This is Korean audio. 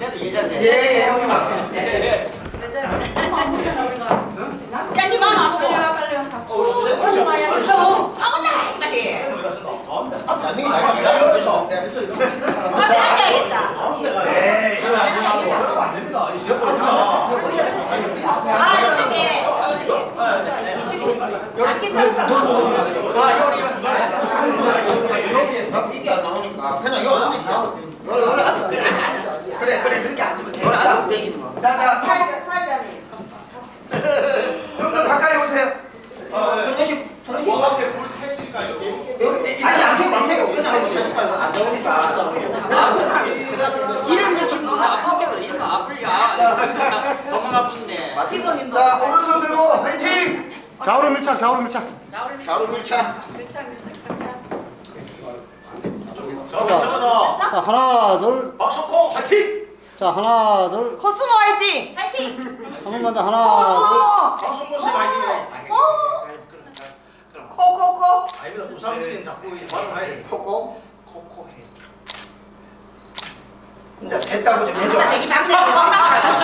예자인데. 예, 형님 앞에. 예. 엄마 안 보잖아 우리가. 야, 니 마음 안 빨리 오고. 와 빨리 와. 그렇지, 그렇지. 아무나 이말이. 아니, 나 기다려서. 앉아야겠다. 에이, 이거 안 됩니다. 이게 안 나오니까 그냥 요 앉아. 요래 앉아. 그래, 그렇게 앉으면 돼. 자, 사회자님. 좀 더 가까이 오세요. 뭐 앞에 물 택시까지. 여기 아니 안 태고 그냥 안 나오니까. 이런 거 있어. 아픈 게 이런 거 아플냐? 너무 아픈데. 자, 오른손 들고 화이팅! 좌우로 밀착, 좌우로 밀착. 좌우로 밀착. 저거다. 자, 하나, 둘. 박석호 화이팅! 자, 하나, 둘. 코스모 화이팅! 파이팅. 한 번만 더. 하나, 박석호 씨 화이팅이네. 코코코 아닙니다. 우상진 자꾸 발언해야 돼. 코코. 코코 해. 이제 됐다고 좀 해줘. 되게 작네